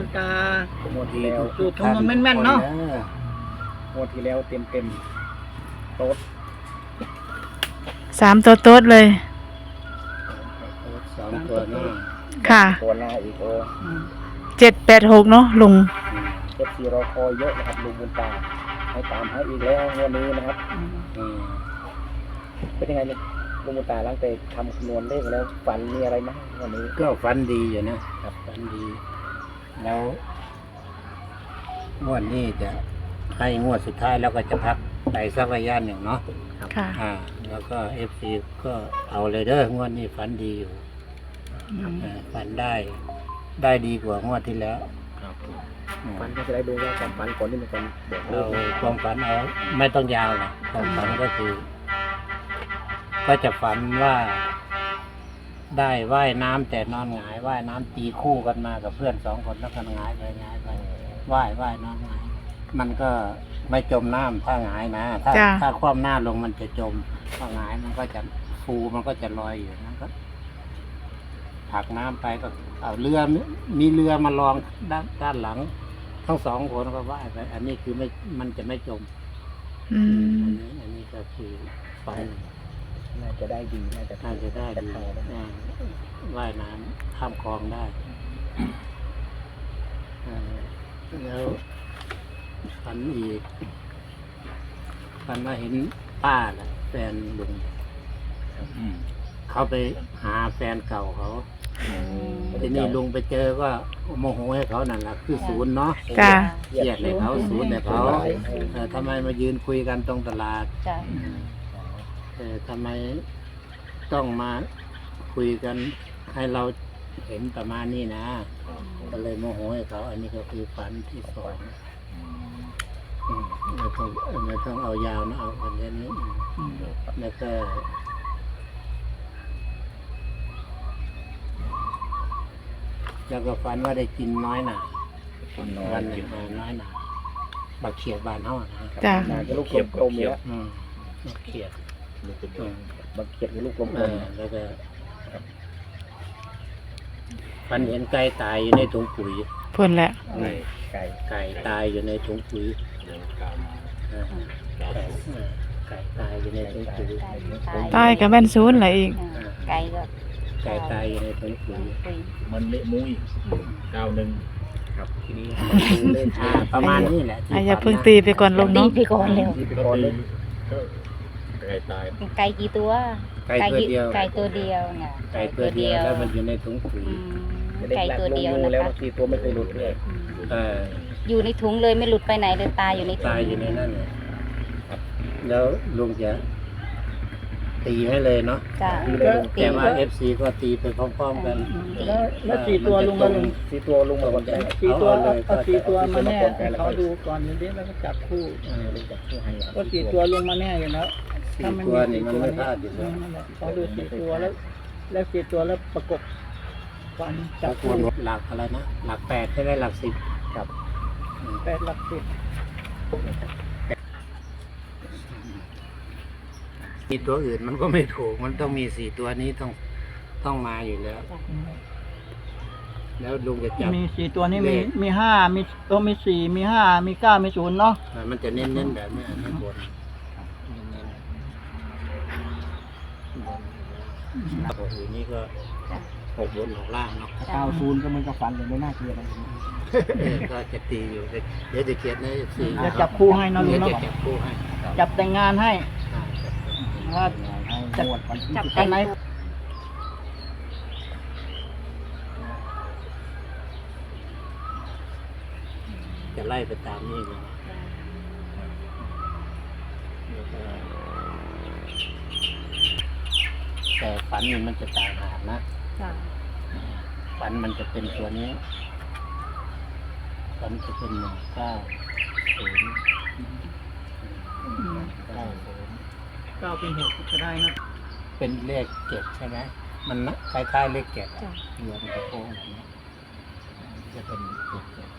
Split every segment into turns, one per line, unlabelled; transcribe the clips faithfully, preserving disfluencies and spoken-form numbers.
วนตา
หมดที่แล้ว
สูตรคำนวณแม่นๆเนาะ
หมดที่แล้วเต็มเต็มโต๊ด
สามตัวโต๊ดเลย
สองตัวหน้า
ค่ะ
ตัวหน้าอีกโอ้
อืม
เจ็ดแปดหกเนาะลุง
เจ็ดสี่รอคอยเยอะนะครับลุงบุญตาให้ตามให้อีกแล้ววันนี้นะครับ
อืม
อืมเป็นยังไงเนี่ยลุงบุญตาหลังจากทำคำนวณเลขแล้วฝันมีอะไรไหมวันนี้
ก็ฝันดีอยู่นะครับฝันดี แล้วงวดนี้จะให้งวดสุดท้ายแล้วก็จะพักไปสักระยะหนึ่งเนาะ
ค่ะ
อ่า แล้วก็เอฟซีก็เอาเลยเด้องวดนี้ฝันดีอยู่
อืม
อ่าฝันได้ได้ดีกว่างวดที่แล้ว
ครับ
อืม
ฝันก็จะได้ดูว่าความฝันก่อนที่มันก่อนบอกเล
เรา
ข
ความฝันเอาไม่ต้องยาวหรอกความฝันก็คือ ก็จะฝันว่า ได้ว่ายน้ำแต่นอนหงายว่ายน้ำตีคู่กันมากับเพื่อนสองคนแล้วกันหงายไปหงายไปว่ายว่ายนอนหงายมันก็ไม่จมน้ำถ้าหงายนะถ้า
จ้ะ
ถ้าคว่ำหน้าลงมันจะจมถ้าหงายมันก็จะฟูมันก็จะลอยอยู่นะก็ผลักน้ำไปก็เอาเรือมีเรือมาลองด้านด้านหลัง ทั้งสองคนก็ว่ายไปอันนี้คือไม่มันจะไม่จม
อื
อั
ม
นนี้อันนี้ก็คือฝัน
น่าจะได้ดีน่าจะ
น่าจะได้
แต่
ดี
ต่อได้
อ่าว่ายน้ำข้ามคลองได้อ่าแล้วฝันอีกฝันว่าเห็นป้าแหละแฟนลุงเขาไปหาแฟนเก่าเขาทีนี้ลุงไปเจอก็โมโหให้เขานั่นแหละคือศูนย์เนาะ
จ้ะ
เครียดเลยเขาศูนย์เลยเขาเออทำไมมายืนคุยกันตรงตลาด
จ้ะ
เออทำไมต้องมาคุยกันให้เราเห็นประมาณนี้นะ ก็เลยโมโหให้เขา อันนี้ก็คือฝันที่สองอืมไม่ต้องไม่ต้องเอายาวนะเอาอันนี้อืมแล้วก็แล้วก็ฝันว่าได้กินน้อยหนาวันหนึ่งเออน้อยหนาบักเขียดบานเท่านะ
จ้ะ
น่าจะลูกกลมๆเนี่ย
อืมบักเขียด อืม
บางเขียดกับลูกกลม
เออแล้วก็ฝันเห็นไก่ตายอยู่ในถุงปุ๋ย
พุ่นแหละ
ๆไก่ไก่
ไก่ตายอยู่ในถุงปุ๋ยเออไก่เออไก่ตายอยู่ในถุงปุ๋ย
ใต้กับแม่นศูนย์แหละอีก
ไก่ก็
ไก่ตายอยู่ในถุงปุ๋ย
ปุย
มันเละมุ้ยเก้าหนึ่ง
ครับทีนี้มาดูเลข
อ่าประมาณนี้แหละที่
อ่ะอย่า
ฝัน
เพิ่ง
นะ
ตีไปก่อนลุง
ตี
เนาะ
ไปก่อนเร็ว
ที่เป็น
ก็
คน
ตี
เล่น
ก็ไก่ตาย
ไก่กี่ตัว
ไก่ตัวเดียว
ไก่ตัวเดียวเนี่ย
ไก่ตัวเดียวแล้วมันอยู่ในถุงปุ๋ย
อืม
เลข
ไก่
หลัก
ตัว
ลง
เดียว
งู
นะ
แล้ว
คะ
บางทีตัวไม่เคยหลุดเลย
อืม
เออ
อยู่ในถุงเลยไม่หลุดไปไหนเลยตายอยู่ในถุง
ตายอยู่ในนั่นเลยครับ แล้วลุงจะตีให้เลยเนาะ
จ้ะ
แต่ว่าเอฟซีก็ตีไปพร้อมๆกัน
แล้วแล้วสี่ตัวลุงมาลุง
สี่ตัวลุงมาก่อนได้
สี่ตัว
เอาเลย
เอาสี่ตัวมาแน่
เอาสี่ตัวมาก่อน
ให้เขาดูก่อนนิดเดียวแล้วก็จับคู่
เออลุงจับคู่ให้
ก็สี่ตัวลุงมาแน่อยู่แล้ว
สี่ตัวนี่มันไม่พลาดอยู่แล้ว
นั่นแหละเขาดูสี่ตัวแล้ว แล้วสี่ตัวแล้วประกบฟันจั
จั
บบ
ค
คู่
นหลักอะไรนะ หลักแปดใช่ไหมหลักสิบกับ
แปดหลักสิบ
สี่ตัวอื่นมันก็ไม่ถูก มันต้องมีสี่ตัวนี้ต้องต้องมาอยู่แล้ว แล้วลุงจะจับ
มีสี่ตัวนี้มี
เลข
มีห้ามีตัวมีสี่มีห้ามีเก้ามีศูนย์เนาะ
อ่ามันจะเน้นๆแบบนี้อันนี้บนเน้นๆบนตัวอื่นนี่ก็หกบนหกล่างเนาะ
เก้าศูนย์ก็มันก็ฟันเลยไม่น่าเกลียดอะไร
เออก็จะตีอยู่เดี๋ยวจะเขียนในสี่
จะจับคู่ให้นะลุ
เดี๋ย
ง
ว
เนาะ
จะจับคู่ให้
จับแต่งงานให้
อ่าจับคู่
ว่าจะ
จับ
อันไหน
จะไล่ไปตามนี้เลยแล้วก็แต่ฝันนี่มันจะต่างหากนะ
จ้ะ
ฝันมันจะเป็นตัวนี้ฝันจะเป็นหนึ่งเก้าศูนย์เก้าศูนย์
เก้าเป็นหกก็ได้นะ
เป็นเลขเจ็ดใช่ไหมมันนะคล้ายๆเลขเจ็ดอะเรือมันจะโค้งแบบนี้จะเป็นเลขเจ็ด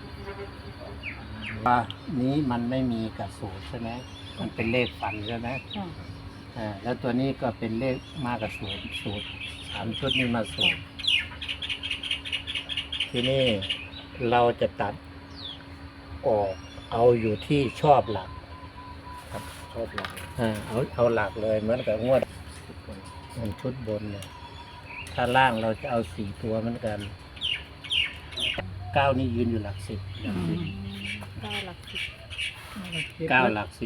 ว่านี้มันไม่มีกับสูตรใช่ไหมมันเป็นเลขฝันใช่ไหม
จ้ะ
อ่าแล้วตัวนี้ก็เป็นเลขมากับสูตรสูตรสามชุดนี้มาสูตร ที่นี่เราจะตัดออกเอาอยู่ที่ชอบหลัก
ชอบหลัก
อ่าเอาเอาหลักเลยเหมือนกับงวดมันชุดบนเนี่ยถ้าล่างเราจะเอาสี่ตัวเหมือนกันเก้านี่ยืนอยู่หลักสิบหลักสิบ
เก้าหลักสิบ
เก้าหลักสิบ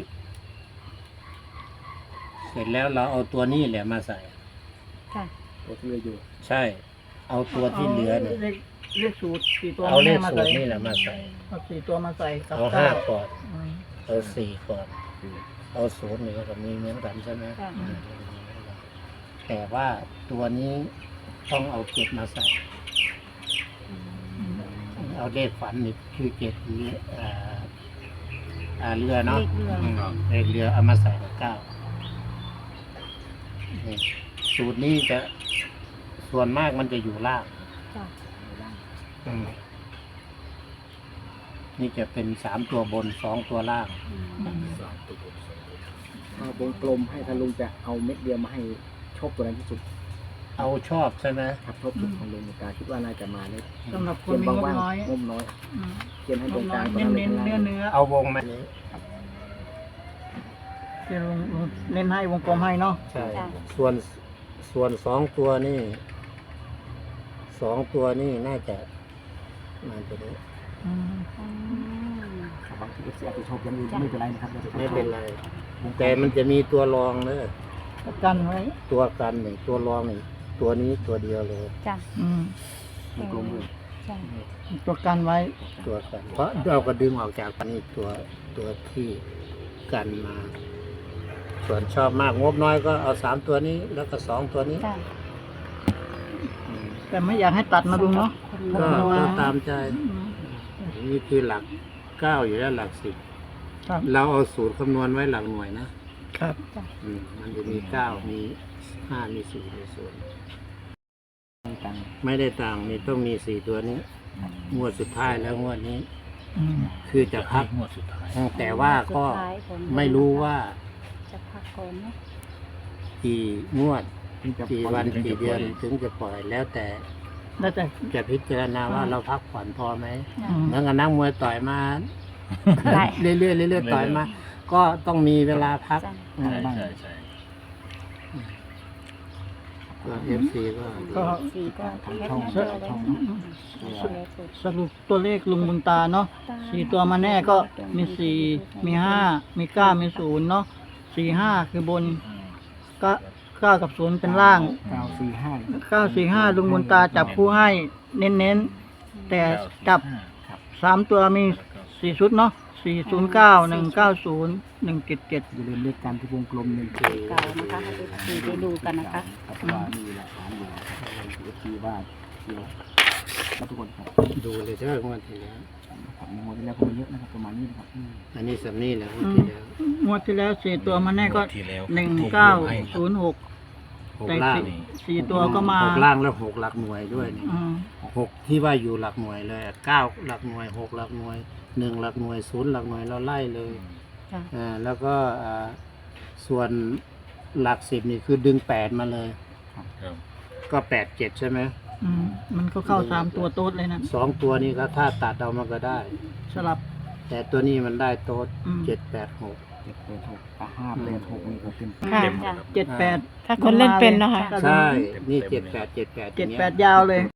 เสร็จแล้วเราเอาตัวนี้แหละมาใส่
ค่ะ
ตัวที่เหลืออยู่
ใช่ เอาตัวที่เหลือเนี่ย
เลขเลขสูตรสี่ตัว
เอาเลข
มา
สู
ใส่
ตรนี่แหละมาใส่
เอาสี่ตัวมาใส่กับ
เอา
เก้า
ห้าก่อน
อืม
เอาสี่ก่อน เอาศูนย์นี่ก็มีเหมือนกันใช่ไหม
ค่ะ
แต่ว่าตัวนี้ต้องเอาเจ็ดมาใส่ เอาเลขฝันนี่คือเจ็ดเรืออ่าอ่าเรือเนาะ
เลขเรือ
อืมเลขเรือเอามาใส่กับเก้านี่สูตรนี้จะส่วนมากมันจะอยู่ล่าง
ค่ะ
อืมนี่จะเป็นสามตัวบนสองตัวล่าง
สามตัวบนสองตัว
เอาวงกลมให้ทางลุงจะเอาเม็ดเดียวมาให้ชอบตัวนั้นที่สุด
เอาชอบใช่ไหม
ครับชอบสุดของลุงกาคิดว่าน่าจะมาเลย
สำหรับค
เขี
น
ยน
มีงบ
ว่าง
น้อย
ๆงบน้อย
อืม
เขียนให้ตรงกลาง
เน้นเน้นๆเนื้อเนื้อ
เอาวงไหมนี้
ที่ลุงลุงเน้นให้วงกลมให้เนาะ
ใช่ ส่วนส่วนสองตัวนี่สองตัวนี่น่าจะน่าจะได้
อืม
อืม
บางทีเอฟซีอาจจะชอบอยังอื่นไม่เป็นไรนะครับดี๋ยวจะ
ไม่เป็นไร แต่มันจะมีตัวรองเนอะ
กันไว้
ตัวกันหนึ่งตัวรองหนึ่งตัวนี้ตัวเดียวเลย
จ้ะ
อืม
วงกลมเลย
ใช่
ตัวกันไว้
ตัวกัน เพราะเราก็ดึงออกจากนี่ตัวตัวที่กันมา ส่วนชอบมากงบน้อยก็เอาสามตัวนี้ แล้วก็สองตัวนี้
จ้ะ
อืม
แต่ไม่อยากให้ตัดนะลุงเนาะ
ก็
หกน้อย
ก็ตามใจ
อืม
นี่คือหลักเก้าอยู่แล้วหลักสิบ
ครับ
เราเอาสูตรคำนวณไว้หลักหน่วยนะครับ อืมมันจะมีเก้ามีห้ามีสี่มีศูนย์
ไม่ตังค์
ไม่ได้ต่างนี่ต้องมีสี่ตัวนี้ งวดสุดท้ายแล้วงวดนี้
อืม
คือจะพัก
งวดสุดท้าย
แต่ว่าก็
สุดท้ายของ
ไม่รู้ว่า
จะพักก่อนเนาะ
กี่งวด
ที่จะ
กี่วันกี่เดือนถึงจะปล่อยแล้วแต่
แล้วแต่
จะพิจารณาว่าเราพักผ่อนพอไหม
อืม
เหมือนกับนักมวยต่อยมา
ได้
เรื่อยๆเรื่อยๆต่อยมา ก็ต้องมีเวลาพัก
จ้ะ
อืม
ใช่ใช่ใช่
ก็เอฟซีก็
ก็
สี่ก็แคปหน้าจอไว้นะ
สรุปตัวเลขลุงบุญตาเนาะสี่ตัวมาแน่ก็มีสี่มีห้ามีเก้ามีศูนย์เนาะสี่ห้าคือบนก็เก้ากับศูนย์เป็นล่าง
เก้าสี่ห้า
เก้าสี่ห้าลุงบุญตาจับคู่ให้เน้นๆแต่จับสามตัวมีสี่ชุดเนาะสี่ศูนย์เก้าหนึ่งเก้าศูนย์หนึ่งเจ็ดเจ็ด
อย่าลืมเลขการที่วงกลมหนึ่ง
สี่
เก่านะคะให้ดูได้ดูกันนะคะ
ครับว่ามีหลักฐานอยู่เอฟซีว่าเดี๋ยวครับทุกคนครับ
ดูเลยเด้องวดที่แล้ว
ครับงวดที่แล้วก็มีเยอะนะครับประมาณนี้นะครับอืม
อันนี้สำนี่แหละงวดที่แล้ว
งวดที่แล้วสี่ตัวมาแน่ก็
ที่แล้ว
หนึ่งเก้าศูนย์หก
หก
แต่
ล่าง
สี่สี่ตัวก็มา
หกล่างแล้วหกหลักหน่วยด้วยนี่
อืม
หกที่ว่าอยู่หลักหน่วยเลยอะเก้าหลักหน่วยหกหลักหน่วยหนึ่งหลักหน่วยศูนย์หลักหน่วยเราไล่เลย
จ้ะ
อ่าแล้วก็อ่าส่วนหลักสิบนี่คือดึงแปดมาเลย
ครับ
ก็แปดเจ็ดใช่ไหม
อืมมันก็เข้าสามตัวโต๊ดเลยนะ
สองตัวนี้ก็ถ้าตัดเอามันก็ได้
สลับ
แต่ตัวนี้มันได้โต๊ด
อืม
เจ็ดแปดหก
เจ็ดแปดหกอ่ะห้าแปดหกนี่ก็เป็น
ค่ะ
เต็มหมดครับ
เจ็ดแปด
ถ้าคนเล่นเป็นเนาะค่ะ
ใช่ นี่เจ็ดแปดเจ็ดแปด
เจ็ดแปดยาวเลย